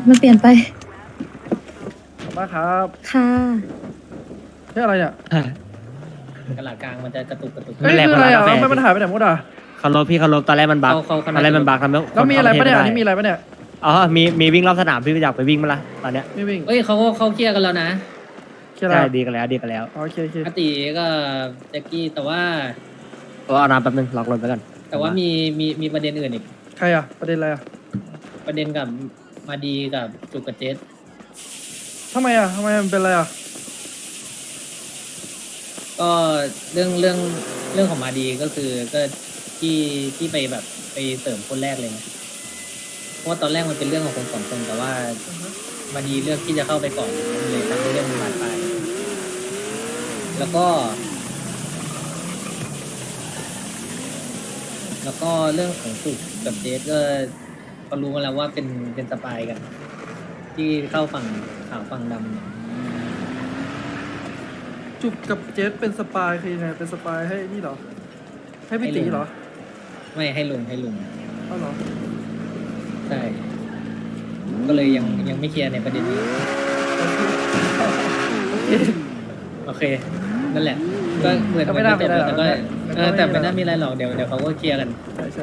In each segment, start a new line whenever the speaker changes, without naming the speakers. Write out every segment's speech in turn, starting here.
มันเปลี่ยนไป
ขอบคุณครับ
ค่ะ
เฮ้ยอะไรเนี่ย
กระหลาดกลางมันจะกระตุก
เฮ้ยคืออะไรอ่ะทำไมมันหายไปไหนหมดอ่ะ
เคารพพี่เคารพตอนแรกมันบั๊ก
เขา
ตอนแรกมันบั๊กทำให้
แล้วมีอะไรปะเนี่ย
ค
อันนี้มีอะไรปะเนี่ย
อ๋อมีวิ่งรอบสนามพี่อยากไปวิ่งมั้ยล่ะตอนเนี้ย
ไม่วิ่ง
เอ้ยเขาเคลียร์กันแล้วนะ
เคลียร์
ใช่
แล้ว
ดีกันแล้วดีกันแล้ว
โอเคโอเค
อาติก็แจ็คกี้แต่ว่า
ก็เอาน้ำแป๊บนึงล็อกรถไว้ก่อน
แต่ว่ามีประเด็นอื่นอีก
ใครอ่ะประเด็นอะไรอ่ะ
ประเด็นกับมาดีกับจุกกับเจส
ทำไมอ่ะทำไมมันเป็นอะไรอ่ะ
ก็เรื่องของมาดีก็คือก็ที่ไปแบบไปเสริมคนแรกเลยนะเพราะว่าตอนแรกมันเป็นเรื่องของคนสองคนแต่ว่ามาดีเลือกที่จะเข้าไปก่อนมันเลยทำให้เรื่องมันบานปลายแล้วก็เรื่องของจุกกับเจสก็รู้มาแล้วว่าเป็นสปายกัน ที่เข้าฝั่งขาวฝั่งดำเนี่ย
จุกกับเจสเป็นสปายคือยังไงเป็นสปายให้นี่เหรอให้พี่ตีเหรอ
ไม่ให้ลุง
อ้าวเหรอ
ใช่ก็เลยยังไม่เคลียร์ในประเด็นนี้โอเคนั่นแหละก็เหมือนไม่จบแต่ก็แต่ไม่น่ามีอะไรหรอกเดี๋ยวเขาก็เคลียร์กัน
ใช่ใช่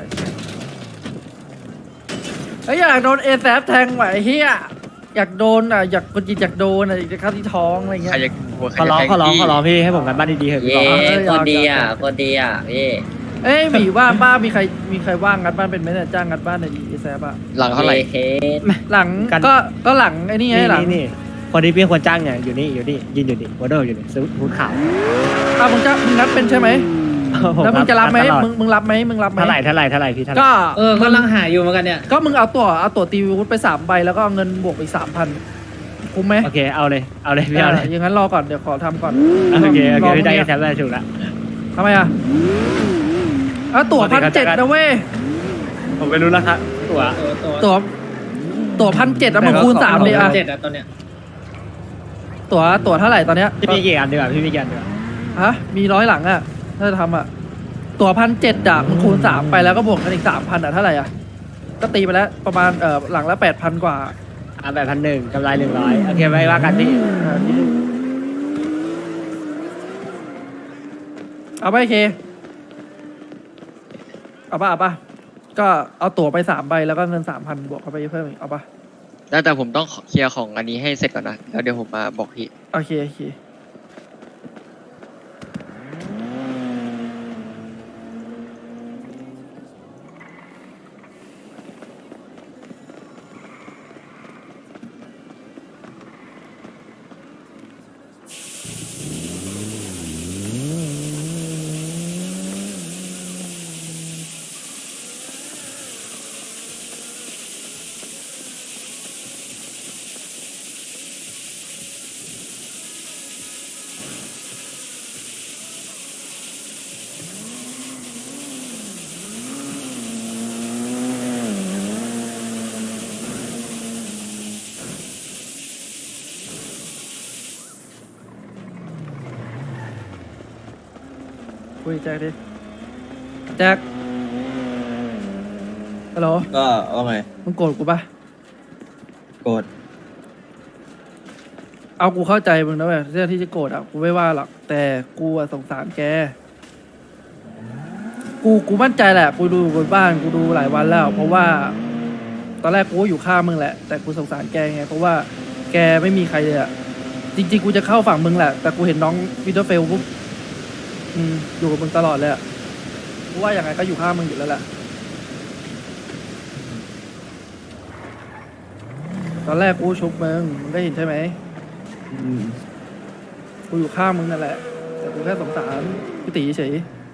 ไอ้ยอยากโดนเอแซฟแทงไหวเฮียอยากโดนอ่ะอยากกดจิตอยากโดนอ่ะอยากจะเข้าที่ท้องอะไรเงี้
ใคร
ย
จะหัวใคร
ขอ
จะ
ร้อง
แทง
ขอร้อง
พี่
ขอร้องพี่ให้ผมกันบ้านดีๆเถอะพี่
เย้
บอก
คนดีอ่ะคนดีอ่ะพี่
เอ้ยหมีว่าบ้ามีใครว่างงัดบ้านเป็นไหมเนี่ยจ้างงัดบ้านในดีแซฟอะ
หลังเท่าไหร่
เฮด
หลังก็หลังไอ้นี่ไงหลัง
นี่คนที่พี่ควรจ้างเนี่ยอยู่นี่ยืนอยู่นี่วอเดอร์อยู่นี่ซื้อฮูดขาว
มึงงัดเป็นใช่ไหมแล้วมึงจะรับไหมมึงรับไหม
เท่าไหร่พี่เท่าไหร่
ก็
กำลังหาอยู่เหมือนกันเนี่ย
ก็มึงเอาตั๋วตีวุฒไป3 ใบแล้วก็เอาเงินบวกอีก 3,000คุ้มไหม
โอเคเอาเลยพี่เอาเลย
อย่างนั้นรอก่อนเดี๋ยวขอทำก่อน
โอเค
รอ
พี่ได้
พรุ่งนี้
แซมได้ถูกละ
ทำไมอะตั๋ว
ปกติเขาจะ
1,700นะเว้ย
ผมไม่รู้ราคาตั๋ว
ตั๋ว1,700แล้วมึงคูณ3ดิอะ
7อะตอนเนี้ย
ตั๋วเท่าไหร่ตอนเนี้ย
พี่มีกี่อันดีกว่าพี่มีกี่อันดีกว่า
ฮะมี100 หลังอะถ้าจะทำอะตั๋ว1,700อะมึงคูณ3ไปแล้วก็บวกกันอีก 3,000อะเท่าไหร่อะก็ตีไปแล้วประมาณหลังละ 8,000 กว่า
แบบ1,100กำไร100โอเคไว้ว่ากันพี่
เอาไปเคเอาป่ะก็เอาตั๋วไป3 ใบแล้วก็เงิน 3,000 บวกเข้าไปเพิ่มอีกเอาป่ะ
แต่ผมต้องเคลียร์ของอันนี้ให้เสร็จก่อนนะ แล้วเดี๋ยวผมมาบอกพี่
โอเคคุยแจ็คดิแจ็คฮัลโหล
ก็ว่าไง
มึงโกรธกูป่ะ
โกรธ
เอากูเข้าใจมึงนะเว้ยเรื่องที่จะโกรธอ่ะกูไม่ว่าหรอกแต่กูอะสงสารแกกูมั่นใจแหละกูดูบนบ้านกูดูหลายวันแล้ว เพราะว่า ตอนแรกกูก็อยู่ข้างมึงแหละ แต่กูสงสารแกไงเพราะว่าแกไม่มีใครเลยอ่ะจริงๆกูจะเข้าฝั่งมึงแหละแต่กูเห็นน้องวินเทอร์เฟลปุ๊บอยู่กับมึงตลอดเลยอ่ะกูว่าอย่างไงก็อยู่ข้างมึงอยู่แล้วแหละตอนแรกกูชุบมึงได้เห็นใช่ไหมกูอยู่ข้างมึงนั่นแหละแต่กูแค่สงสารพี่ตีเฉย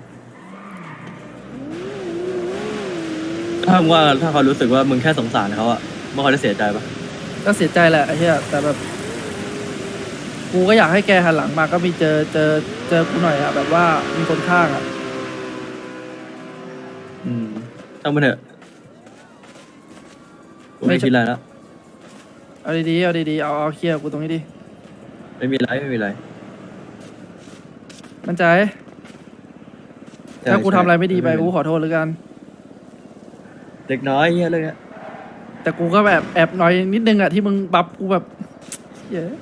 ถ้ามึงว่าถ้าเขารู้สึกว่ามึงแค่สงสารเขาอะมึงเขาจะเสียใจปะ
ก็เสียใจแหละไอ้เหี้ยแต่แบบกูก็อยากให้แกหันหลังมาก็มีเจอกูหน่อยอะแบบว่ามีคนข้างอะ
ต้องมาเถอะกูไม่คิดอะไรแล้ว
เอาดีๆเอาเคลียร์กูตรงนี้ดิ
ไม่มีไร
มั่นใจถ้ากูทำอะไรไม่ดีไปกูขอโทษแล้วกัน
เล็กน้อยเงี้ยเรื่องเนี้ย
แต่กูก็แบบแอบหน่อยนิดนึงอะที่มึงบัฟกูแบบเหี้ย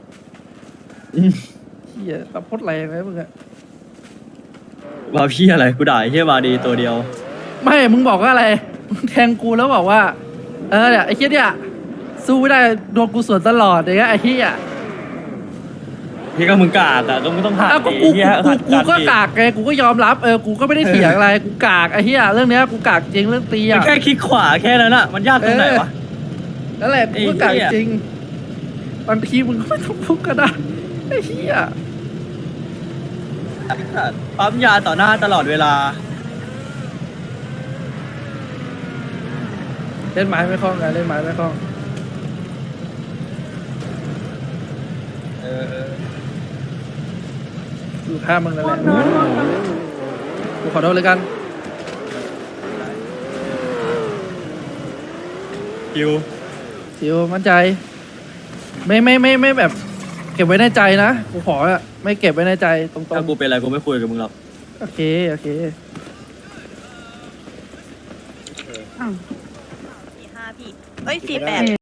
เหี้ยบัฟโคตรแรงเลยมึงอะ
ว่าพี่อะไรกูด่าไอ้เฮียมาดีตัวเดียว
ไม่มึงบอกว่าอะไรมึงแทงกูแล้วบอกว่าเนี่ยไอ้เหี้ยเนี่ยสู้ไม่ได้โดนกูสวนตลอดอย่างเงี้ยไอ้เหี้ย
พี่ก็มึงกากอะก็มึงต้องหัด
อ้าวก็
ดิ
กู
เฮียหัด
กูก็
ดิ
กากไงกูก็ยอมรับกูก็ไม่ได้เถียงอะไรกูกากไอ้เหี้ยเรื่องเนี้ยกูกากจริงเรื่องตี
มึง
อ่ะ
แค่คลิกขวาแค่นั้นอะมันยากตรงไหนวะ
นั่นแหละกูก็กาก
ไอ้เหี้ย
จริงบางทีมึงก็ไม่ต้องพูดก็ได้ไอ้เหี้ย
ปั๊มยาต่อหน้าตลอดเวลา
เล่นไม้ไม่คล่องไงเล่นไม้ไม่คล่อง
เออ
อยู่ข้างมึงนั่นแหละกูขอโทษเลยกัน
คิว
สิวมั่นใจไม่แบบ เก็บไว้ในใจนะกูขออะไม่เก็บไว้ในใจตรง
ถ้ากูเป็นอะไรกูไม่คุยกับมึงหรอก
ๆโอเคโอเค
4-5 พี่ เอ้ย 4-8